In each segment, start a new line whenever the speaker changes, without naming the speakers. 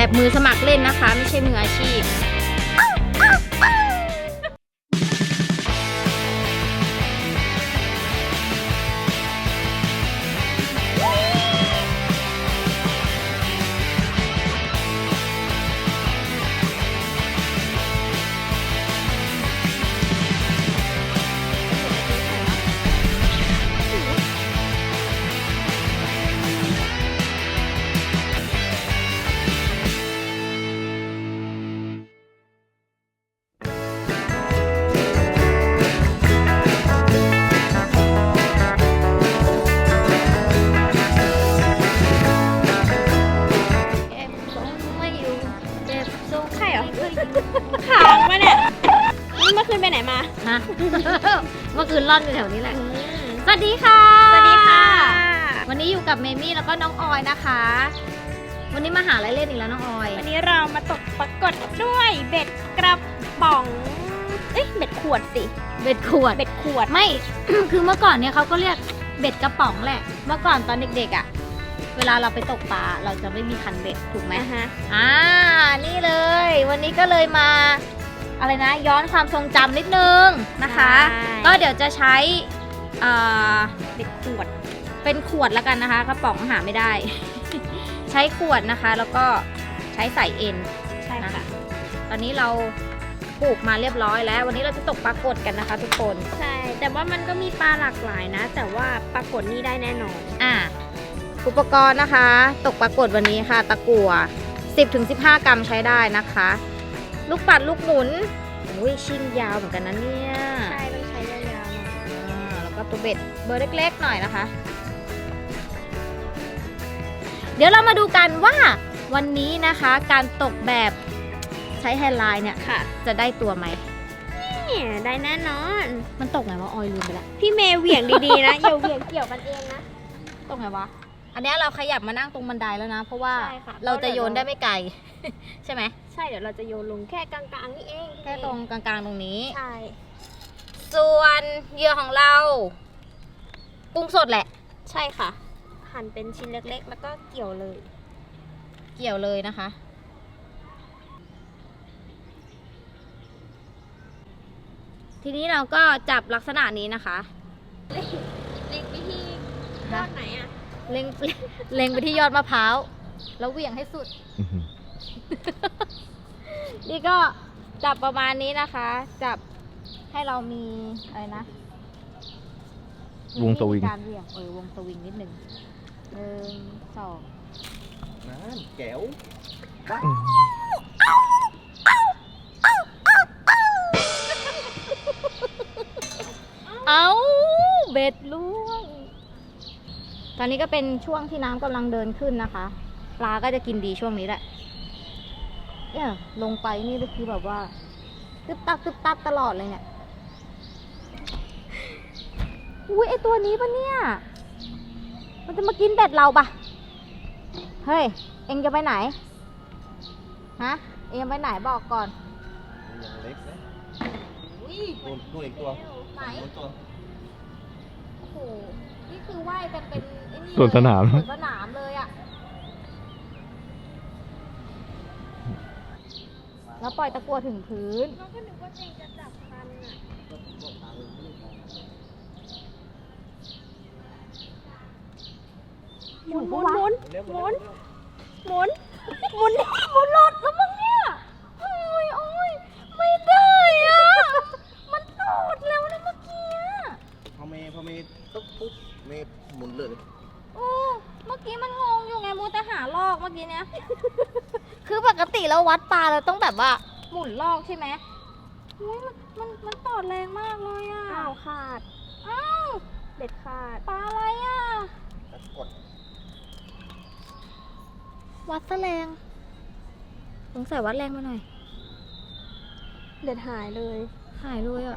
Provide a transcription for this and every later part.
แบบมือสมัครเล่นนะคะไม่ใช่มืออาชีพ
ขางมาเนี่ยนี่เมื่อคืนไปไหนมา
ฮะ เมื่อคืนร่อนอยู่แถวนี้แหละสวัสดีค่ะ
สวัสดีค่ะ
วันนี้อยู่กับเมมี่แล้วก็น้องออยนะคะ วันนี้มาหาอะไรเล่นอีกแล้วน้องออย
วันนี้เรามาตกปรากฏด้วยเบ็ดกระป๋องเอ้ยเบ็ดขวดสิ
เบ็ดขวดไม่ คือเมื่อก่อนเนี่ยเขาก็เรียกเบ็ดกระป๋องแหละเมื่อก่อนตอนเด็กๆอ่ะเวลาเราไปตกปลาเราจะไม่มีคันเบ็ดถูกไหมนี่เลยวันนี้ก็เลยมาอะไรนะย้อนความทรงจำนิดนึงนะคะก็เดี๋ยวจะใช้
เบ็ดขวด
เป็นขวดแล้วกันนะคะกระป๋องหาไม่ได้ ใช้ขวดนะคะแล้วก็ใช้สายเอ็น
ใช่ค่ะ
ตอนนี้เราปลูกมาเรียบร้อยแล้ววันนี้เราจะตกปลากดกันนะคะทุกคน
ใช่แต่ว่ามันก็มีปลาหลากหลายนะแต่ว่าปลากดนี่ได้แน่นอน
อุปกรณ์นะคะตกปลากดวันนี้ค่ะตะกั่ว 10-15 กรัมใช้ได้นะคะลูกปัดลูกหมุนอุ้ยชิ้นยาวเหมือนกันนะเนี่ย
ใช่ต้องใช้ยาวๆหน่อย
แล้วก็ตัวเบ็ดเบอร์เล็กๆหน่อยนะคะเดี๋ยวเรามาดูกันว่าวันนี้นะคะการตกแบบใช้แฮนด์ไลน์เนี่ยจะได้ตัวไหม
เนี่ยได้แน่นอน
มันตกไงวะออยลืมไปละ
พี่เมย์เหวี่ยงดีๆนะอย่าเหวี่ยงเกี่ยวกันเองนะ
ตกไงวะอันนี้เราขยับมานั่งตรงบันไดแล้วนะเพราะว่าเราจะโยนได้ไม่ไกล ใช่ไหม
ใช่เดี๋ยวเราจะโยนลงแค่กลางๆนี่เอง
แค่ตรงกลางๆตรงนี้
ใช่
ส่วนเหยื่อของเรากุ้งสดแหละ
ใช่ค่ะหั่นเป็นชิ้นเล็กๆแล้วก็เกี่ยวเลย
นะคะทีนี้เราก็จับลักษณะนี้นะคะ
เล็งไปที่ยอดไหนอะ
เล็งไปที่ยอดมะพร้าวแล้วเหวี่ยงให้สุด นี่ก็จับประมาณนี้นะคะจับให้เรามีอะไรนะ
วงสวิง
การเหวี่ยงวงสวิงนิดนึง1 2
นั่นแก้ว
เอาเบ็ดล่วงตอนนี้ก็เป็นช่วงที่น้ำกำลังเดินขึ้นนะคะปลาก็จะกินดีช่วงนี้แหละเนี่ยลงไปนี่ก็คือแบบว่าตึ๊บตับตลอดเลยเนี่ยอุ้ยไอตัวนี้ปะเนี่ยมันจะมากินเบ็ดเราปะเฮ้ยเอ็งจะไปไหนฮะเอ็งจะไปไหนบอกก่อน
ยังเล็กนะนู่นอีกตัว
ไหนโอ้โหนี่คือว่ายกันเป็น
สวนสนาม
เลยอะแล้วปล่อยตะกั่วถึงพื้น
ก็นึกว่าเองจะจับคันอะหมุนหลุดแล้วมึงเนี่ย
โอ้ยไม่ได้อะมันโดดแล้วนะเมื่อกี้
พอเมย์ปุ๊บเมย์หมุนเลย
เมื่อกี้มันงงอยู่ไงมูแต่หาลอกเมื่อกี้เนี้ย คือปกติเราวัดปลาเราต้องแบบว่าหมุนลอกใช่ไหมมันตอดแรงมากเลยอ่ะ
ขาดเบ็ดขาด
ปลาอะไรอ่ะวัดซะแรงสงสัยวัดแรงมาหน่อย
เบ็ดหายเลย
อ่ะ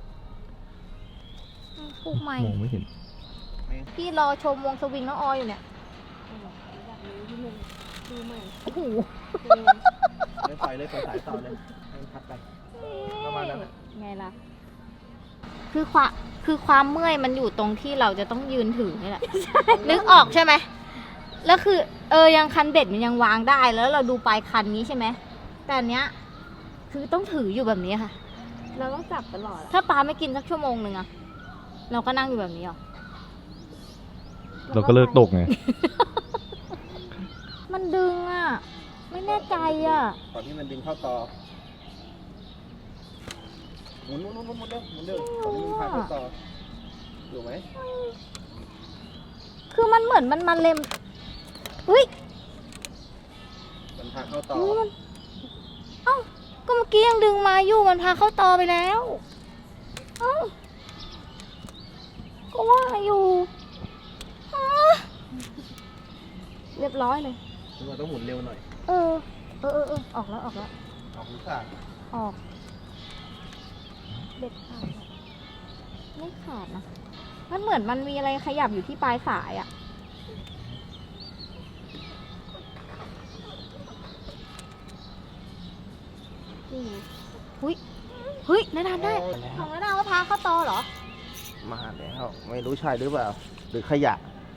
ปลูกใหม่
มองไม่เห็น
พี่รอชมวงสวิงน้องออยอยู่เนี่ย
ดูใหม่
โอ้โห
ปล่อยสายต่อเลยให้มันพัดไปประมาณนั้น
ไงล่ะคือความเมื่อยมันอยู่ตรงที่เราจะต้องยืนถือนี่แหละนึกออกใช่ไหมแล้วคือยังคันเบ็ดมันยังวางได้แล้วเราดูปลายคันนี้ใช่ไหมแต่อันเนี้ยคือต้องถืออยู่แบบนี้ค่ะ
เราต้องจับตลอดอะ
ถ้าปลาไม่กินสักชั่วโมงหนึ่งอะเราก็นั่งอยู่แบบนี้หรอ
เราก็เลิกตกไง
มันดึงอะไม่แน่ใจอะ
ตอนที่มันดึงเข้าตอหมุนเร็วหมุนเร็วตอนนี้มันพาเข้าตออยู่ไหม
คือมันเหมือนมันเล็มเฮ้ย
มันพาเข้าตอ
มันเอ้าก็เมื่อกี้ยังดึงมาอยู่มันพาเข้าตอไปแล้วเอ้าก็ว่าอยู่อ้าเรียบร้อยเลย
เราต้องหมุนเร็วหน่อย
เออออกแล้ว
ออกหรือขาด
ออกเด็ดขาดอะไม่ขาดนะ มันเหมือนมันมีอะไรขยับอยู่ที่ปลายสายอะนี่ไงเฮ้ยนาดาได้ของนาดาว่าพาเข้าตอเหรอ
มาแล้วไม่รู้ใช่หรือเปล่า หรือขยะ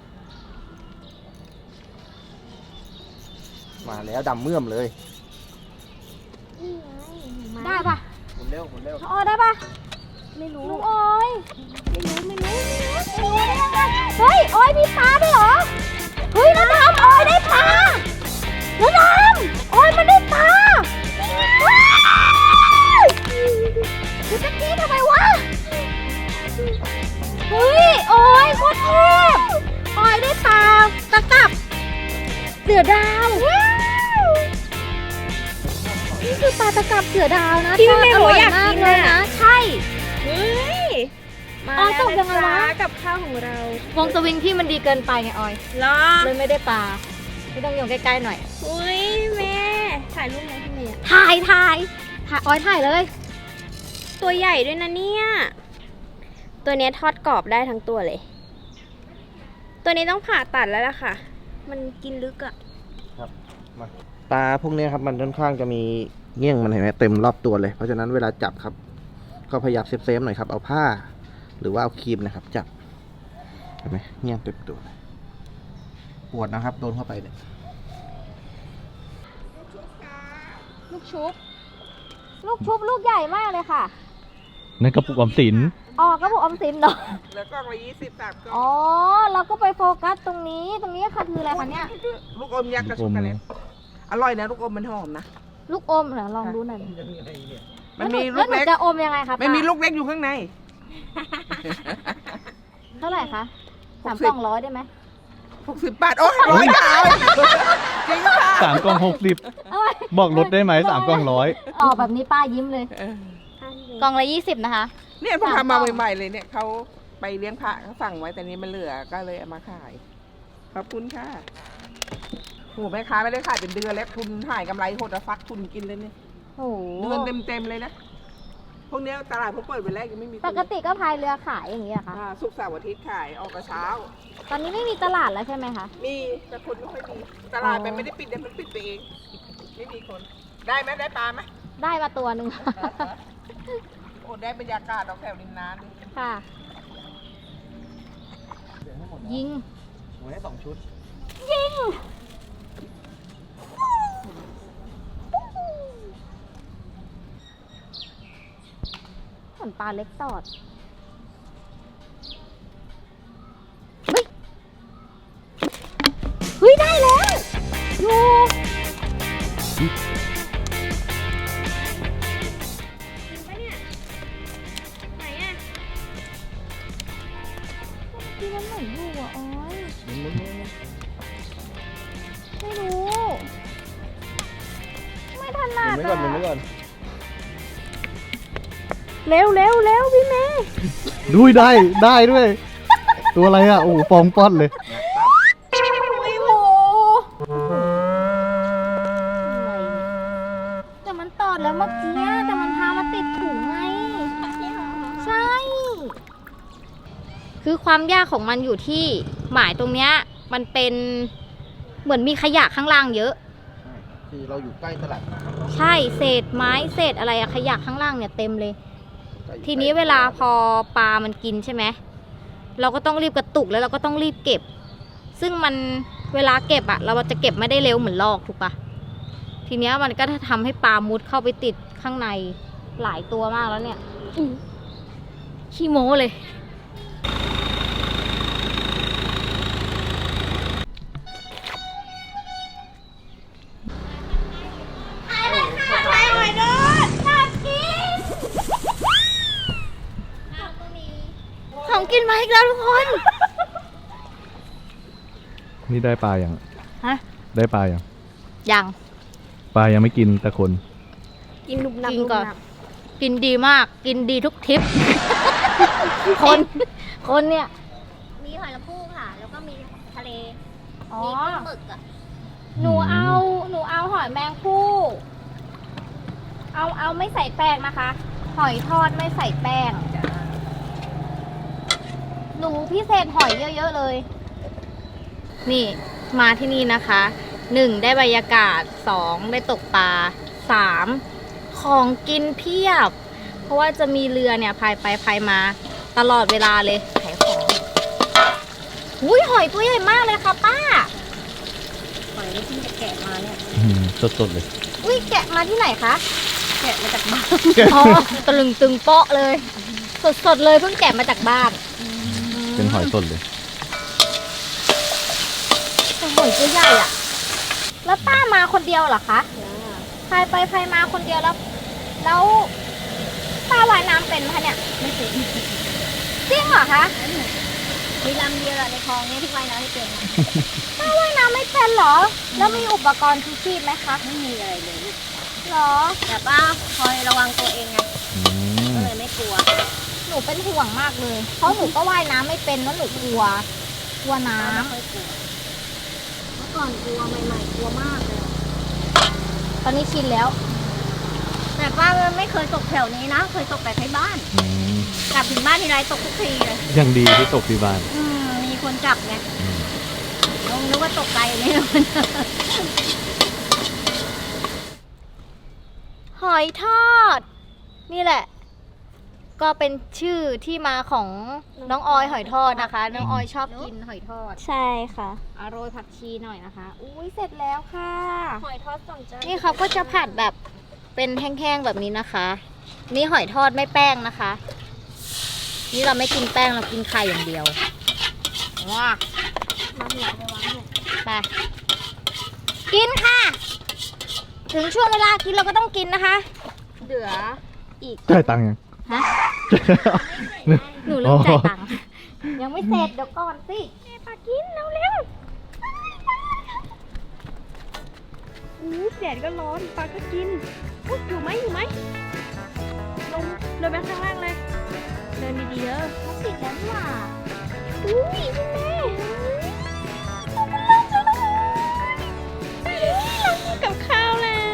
มาแล้วดำเมื่อมเลย
ได้ปะ
หมุนเร็วหมุนเร็ว
น้องออยได้ปะ
ไม่รู้
น้องออยไม่รู้ได้ยังไงเฮ้ยออยมีปลาด้วยเหรอ เฮ้ยนาดามออยได้ปลานาดามออยมันได้ปลาว้าวคือตะกี้ทำไมวะ เฮ้ยออยโคตรเทพออยได้ปลาตะกับเสือดาวนี่คือปลาตะกับเสือดาวนะ
ที่แม่บอกอยาก
ทด
กิน
เลย
น่ะ
นะใช่
เฮ้ย มา
อ๋อ
แล้ว
ตกยังไงวะ
นะจ๊กับข้าวของเรา
วงสวิงพี่มันดีเกินไปไงออย
เหรอ
เลยไม่ได้ปลาไม่ต้องโยงใกล้ๆหน่อย
อุ้ยแม่ถ่ายรูปไหมพี่เมย์
ถ่ายออยถ่ายเลย
ตัวใหญ่ด้วยนะเนี่ย ตัวเนี้ยทอดกรอบได้ทั้งตัวเลย ตัวนี้ต้องผ่าตัดแล้วล่ะค่ะ มันกินลึกอะ
ปลาพวกนี้ครับมันค่อนข้างจะมีเงี้ยงมันเห็นไหมเต็มรอบตัวเลย เพราะฉะนั้นเวลาจับครับ ก็พยายามเซฟหน่อยครับ เอาผ้า หรือว่าเอาครีมนะครับ จับเห็นไหมเงี้ยงเต็มตัวเลยปวดนะครับ โดนเข้าไปเนี่ย
ลูกชุบลูกใหญ่มากเลยค่ะ
นั่นกระปุกออมสิน
อ๋อก็บอกออมสินเนาะ
เหลือกล่องละ20 3กล่อง
อ๋อเราก็ไปโฟกัสตรงนี้ค่ะคืออะไรคะเนี่ย
ลูกอมยักษ์กับ
ลู
ช็อก
อม
โกแลตอร่อยนะลูกอมมันหอมนะ
ลูกอมเหรอลองดูหน่อย
มันมีลู
แล้ว
ก
หนู
เล็ก
จะอมยังไงคะ
ไม่มี
ป้า
ลูกเล็กอยู่ข้างใน
เท่าไหร่คะ
60
3 กล่อง100ได้ไหม
60 บาท โอ้ยร้อยดาวจริงค่ะ
3 กล่อง
เอาไว้
60 บอกลดได้ไหม3 กล่อง 100
ออกแบบนี้ป้ายิ้มเลย
เออก
ล่องละ20นะคะ
เนี่ยเพิ่ง
3
ทำมาก
ล่อง
ใหม่ๆเลยเนี่ยเขาไปเลี้ยงพระเขาสั่งไว้แต่นี้มันเหลือก็เลยเอามาขาย ขอบคุณค่ะโหแม่ค้าไม่ได้ขายเป็นเดือนแล้วทุนหายกำไรหดอะฟักทุนกินเลยเนี่ย
โอ้โห
เดือนเต็มๆเลยนะ พวกเนี้ยตลาดพวกเปิดวันแรกยังไม่มี
ปกติก็พายเรือขายอย่างนี้เหรอคะ
ศุกร์เสาร์อาทิตย์ขายออกกระเช้า
ตอนนี้ไม่มีตลาดแล้วใช่ไหมคะ
มีแต่คนไม่ค่อยมีตลาดมันไม่ได้ปิดเดี๋ยวมันปิดไปเอง ไม่มีคน ได้ไหมได้ปลาไหม
ได้มาตัวหนึ่ง
โอ้ได้บรรยากาศออกแถวริมน้ำดิ
ค่ะ ยิง
หมุนให้2 ชุด
ยิง เหมือนปลาเล็กตอด เฮ้ย ได้แล้วอยู่ที่มันเหมือนอยู่อ่ะออยไม่รู้ ไม่ถนัด
หมุนไว้ก่อนหมุนไว้ก่อน
เร็วพี่เมย์
ด้วยได้ด้วย ตัวอะไรอ่ะ โอ้โหฟองป้อนเลย
โอ้โหแต่มันตอดแล้วเมื่อกี้แต่มันพามาติดถุงไง ใช่ คือความยากของมันอยู่ที่หมายตรงเนี้ยมันเป็นเหมือนมีขยะข้างล่างเยอะ
คือเราอยู่ใกล้ตลาดน้
ใช่เศษไม้เศษอะไรอะขยะข้างล่างเนี่ยเต็มเลย
ำใกล้อยู่
ทีนี้เวลาพอปลามันกินใช่ไหมเราก็ต้องรีบกระตุกแล้วเราก็ต้องรีบเก็บ ซึ่งมันเวลาเก็บอะเราจะเก็บไม่ได้เร็วเหมือนลอกถูกปะทีเนี้ยมันก็ทำให้ปลามุดเข้าไปติดข้างในหลายตัวมากแล้วเนี่ยขี้โม้เลยของกินมาอีกแล้วทุกคน
นี่ได้ปลาอย่าง
ฮะ
ได้ปลาอย่าง
ยัง
ปลายังไม่กินแต่คน
กินนุบนับ
กิน
นุบ
ก่อน
นับ
กินดีมาก กินดีทุกทริป คนเนี่ย
มีหอยละพูค่ะ แล้วก็มีทะเล
อ๋อ
มีกุ้งหมึกอ่ะ
หนูเอาหอยแมงภู่เอาไม่ใส่แป้งนะคะ หอยทอดไม่ใส่แป้ง หนูพิเศษหอยเยอะๆเลย นี่มาที่นี่นะคะ 1 ได้บรรยากาศ 2 ได้ตกปลา 3 ของกินเพียบ เพราะว่าจะมีเรือเนี่ยพายไปพายมาตลอดเวลาเลยขายของอุ้ยหอยตัวใหญ่มากเลยค่ะป้า หอยที่จะแกะมาเนี่ย
สดๆเลย
อุ้ยแกะมาที่ไหนคะ แกะมาจากบ้าน อ๋อตะลึงตึงเปาะเลย สดๆเลยเพิ่งแกะมาจากบ้าน
เป็นหอยสดเลย
หอยตัวใหญ่อะแล้วป้ามาคนเดียวเหรอคะพายไปพายมาคนเดียวแล้วป้าว่ายน้ำเป็นไหมคะเนี่ย ไม่เป็นจริงเหรอคะ มีลำเดียวในคลองนี้ที่ว่ายน้ำไม่เป็นป้าว่ายน้ำไม่เป็นเหรอ แล้วมีอุปกรณ์ชูชีพไหมคะ ไม่มีอะไรเลยหรอ แต่ป้าคอยระวังตัวเองไง ก็เลยไม่กลัว หนูเป็นห่วงมากเลย เพราะหนูก็ว่ายน้ำไม่เป็นแล้วหนูกลัวน้ำ เมื่อก่อนกลัวใหม่ๆกลัวมากเลย ตอนนี้ชินแล้ว แต่ป้าไม่เคยตกแถวนี้นะ เคยตกแต่ที่บ้าน กลับถึงบ้านทีไรตกทุกทีเลย
ยังดีที่ตกที่บ้าน
มีคนจับไงนึกว่าตกไกลนี่หอยทอด นี่แหละ ก็เป็นชื่อที่มาของน้องออยหอยทอดนะคะ น้องออยชอบกินหอยทอด
ใช่ค่ะ
โรยผักชีหน่อยนะคะ อุ้ยเสร็จแล้วค่ะ
หอยทอดสองจาน
นี่เขาก็จะผัดแบบเป็นแห้งๆแบบนี้นะคะ นี่หอยทอดไม่แป้งนะคะ นี่เราไม่กินแป้งเรากินไข่อย่างเดียวว้า
มาหัวไปวางเนี่ย
ไปกินค่ะ ถึงช่วงเวลากินเราก็ต้องกินนะคะ
เหลือ
จ่ายตังค์ยัง
ฮะ หนูเริ่มจ่ายตังค์ยังไม่เสร็จเดี๋ยวก่อนสิปากินเร็ว
แดดก็ร้อนปลาก็กินอุ๊ยอยู่ไหมลงเดินไปข้างล่างเลย เดินดีๆเด้อ
ๆมันติดแล้วนี่หว่า
อุ้ยคุณแม่เรากินกับข้าวแล้ว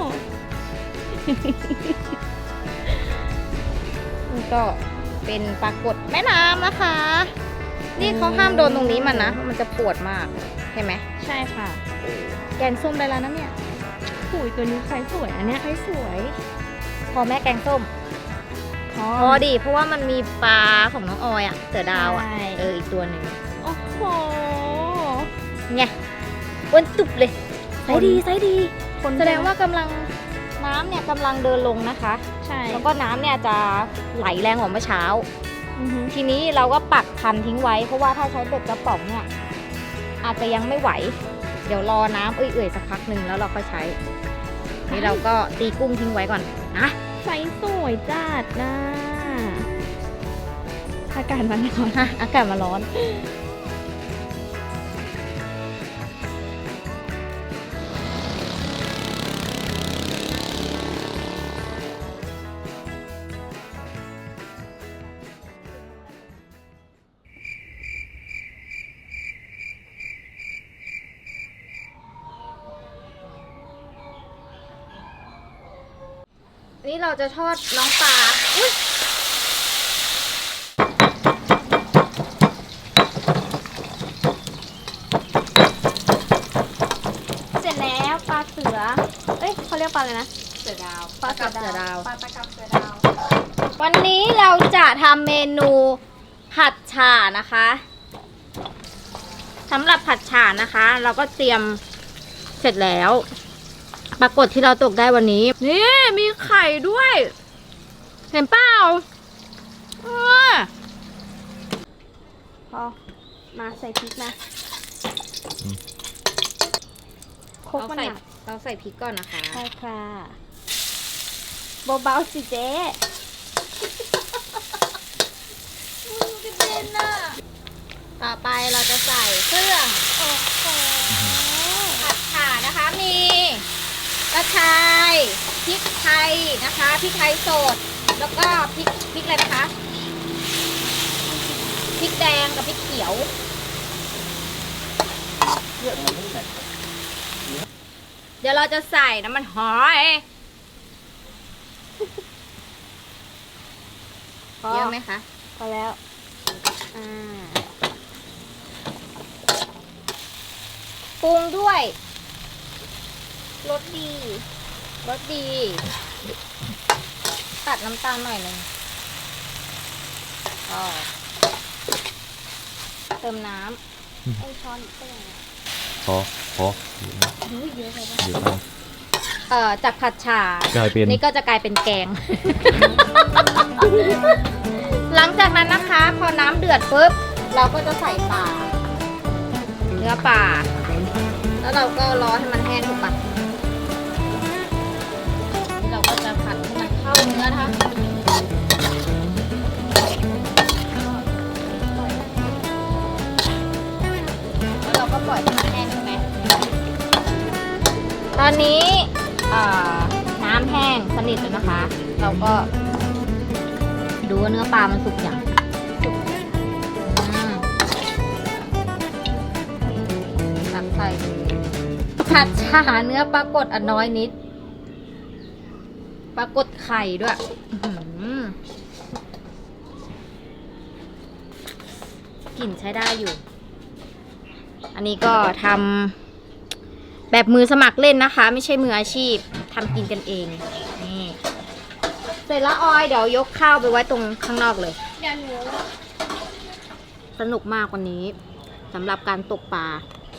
นี่ก็เป็นปลากดแม่น้ำนะคะ นี่เขาห้ามโดนตรงนี้มันนะเพราะมันจะปวดมากเห็นไหม
ใช่ค่ะ
แกงส้มได้แล้วนะเนี่ย
ถุยตัวนี้ใครสวยอันเนี้ยใครสวย
พอแม่แกงส้ม พอดีเพราะว่ามันมีปลาของน้องออยอะเสือดาวอะ
ใช่
อีกตัวหนึ่ง
โอ้โห
ไงอ้วนตุบเลยไซส์ดีไซส์ดี
คน
แสดงว่ากำลังน้ำเนี่ยกำลังเดินลงนะคะ
ใช่
แล้วก็น้ำเนี่ยจะไหลแรงกว่าเมื่อเช้า
อือฮึ
ทีนี้เราก็ปักคันทิ้งไว้ เพราะว่าถ้าใช้เบ็ดกระป๋องเนี่ยอาจจะยังไม่ไหว เดี๋ยวรอน้ำเอื่อยๆสักพักหนึ่งแล้วเราค่อยใช้ นี่เราก็ตีกุ้งทิ้งไว้ก่อนนะ
ไซส์สวยจัดนะอากาศมันร้อน
ฮะอากาศมาร้อน นี่เราจะทอดน้องปลาอุ๊ยเสร็จแล้วปลาเสือ เอ้ยเขาเรียกปลาอะไรนะ
เสือดาว
ปลากับเสือดาว
ปลาตะกับเสือดาว
วันนี้เราจะทำเมนูผัดฉ่านะคะ ทสำหรับผัดฉ่านะคะ เราก็เตรียมเสร็จแล้ว ปรากฏที่เราตกได้วันนี้ นี่มีไข่ด้วย เห็นเปล่า
พอมาใส่พริกนะครกมันหนัก
เราใส่พริกก่อนนะคะ
ใช่ค่ะเบาๆสิเจ๊
ต่อไปเราจะใส่เครื่องผัดฉ่านะคะ มีกระชายพริกไทยนะคะพริกไทยสด แล้วก็พริกอะไรนะคะพริกแดงกับพริกเขียว เดี๋ยวเราจะใส่น้ำมันหอยเยอะไหมคะ
พอแล้วอ่า
ปรุงด้วย
รสดี
รสดี ตัดน้ำตาลหน่อยหนึ่งก็เติมน้
ไอช้อนก็ยังไง
พอ
เยอะไปปะ
เดี๋ยวเอา
ำจากผัดฉ่าก
ลายเป็น
นี่ก็จะกลายเป็นแกง หลังจากนั้นนะคะ พอน้ำเดือดปุ๊บ เราก็จะใส่ปลาเนื้อปลาแล้วเราก็รอให้มันแห้งถูกปะนี่เราก็จะผัดให้มันเข้าเนื้อนะคะแล้วเราก็ปล่อยให้มันแห้งใช่ไหมตอนนี้น้ำแห้งสนิทแล้วนะคะ เราก็ดูว่าเนื้อปลามันสุกอย่างตักใส่ผัดฉ่าเนื้อปลากดอันน้อยนิดปลากดไข่ด้วยกลิ่นใช้ได้อยู่ อันนี้ก็ทำแบบมือสมัครเล่นนะคะ ไม่ใช่มืออาชีพทำกินกันเองนี่เสร็จแล้วออยเดี๋ยวยกข้าวไปไว้ตรงข้างนอกเลย
เดี๋ยวหนู
สนุกมากวันนี้สำหรับการตกปลา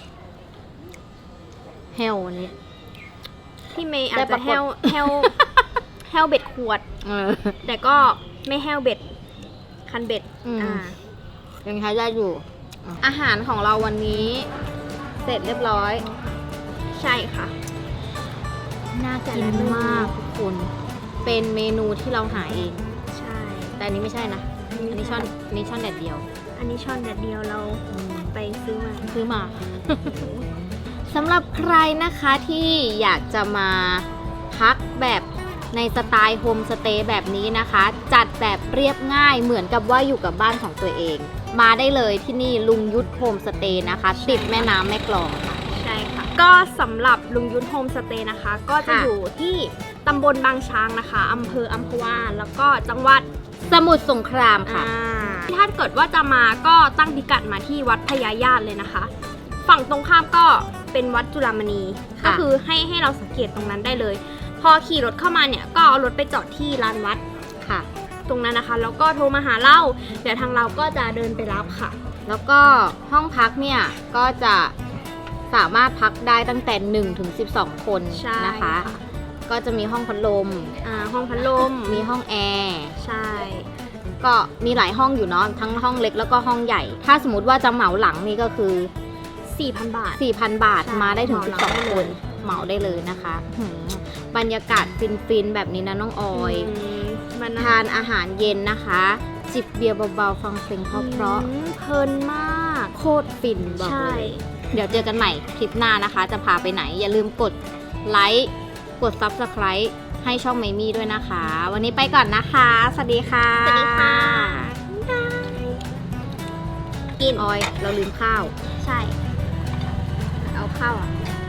แฮววันนี้
พี่เมย์อาจ
ได้ป
จะ
รากฏ
แห้วเบ็ดขวด แต่ก็ไม่แห้วเบ็ด คันเบ็ด
ยังใช้ได้อยู่ อาหารของเราวันนี้ เสร็จเรียบร้อย
ใช่ค่ะ
น่ากินมากทุกคน เป็นเมนูที่เราหาเอง
ใช่
แต่อันนี้ไม่ใช่นะ อันนี้ช่อนแดดเดียว
อันนี้ช้อนแดดเดียวเราไปซื้อมา
ซื้อมา สำหรับใครนะคะที่อยากจะมาพักแบบในสไตล์โฮมสเตย์แบบนี้นะคะ จัดแบบเรียบง่ายเหมือนกับว่าอยู่กับบ้านของตัวเอง มาได้เลยที่นี่ลุงยุทธโฮมสเตย์นะคะ ติดแม่น้ำแม่กลองค่ะ
ใช่ค่ะ ก็สำหรับลุงยุทธโฮมสเตย์นะคะ ก็จะ
ค่ะ
อยู่ที่ตำบลบางช้างนะคะอำเภออัมพวาแล้วก็จังหวัด
สมุทรสงครามค่ะ
ถ้าเกิดว่าจะมาก็ตั้งพิกัดมาที่วัดพญาญาติเลยนะคะ ฝั่งตรงข้ามก็เป็นวัดจุฬามณี
ค่ะ
ก็คือให้เราสังเกตตรงนั้นได้เลย พอขี่รถเข้ามาเนี่ยก็เอารถไปจอดที่ลานวัด
ค่ะ
ตรงนั้นนะคะ แล้วก็โทรมาหาเราเดี๋ยวทางเราก็จะเดินไปรับค่ะ
แล้วก็ห้องพักเนี่ยก็จะสามารถพักได้ตั้งแต่1 ถึง 12 คน
ใช่
นะคะ
ค่ะ
ก็จะมีห้องพัดลม
ห้องพัดลม
มีห้องแอร์
ใช่
ก็มีหลายห้องอยู่เนาะทั้งห้องเล็กแล้วก็ห้องใหญ่ ถ้าสมมติว่าจะเหมาหลังนี่ก็คือ
4,000 บาท
4,000 บาท
ใช่
มาได้ถึง
เหมาหลังได้
12 ค
เลย
นเหมาได้เลยนะคะบรรยากาศฟินๆแบบนี้นะน้องออย
มัน
ทานอาหารเย็นนะคะ จิบเบียร์เบาๆฟังเพลงเพราะ
เพลินมาก
ๆโคตรฟินบอก
ใช่
เลย เดี๋ยวเจอกันใหม่คลิปหน้านะคะ จะพาไปไหน อย่าลืมกดไลค์กด Subscribe ให้ช่องไมมี่ด้วยนะคะ วันนี้ไปก่อนนะคะ สวัสดีค่ะ
สวัสดีค่ะ
กินออย เราลืมข้าว
ใช่
เอาข้าวอ่ะ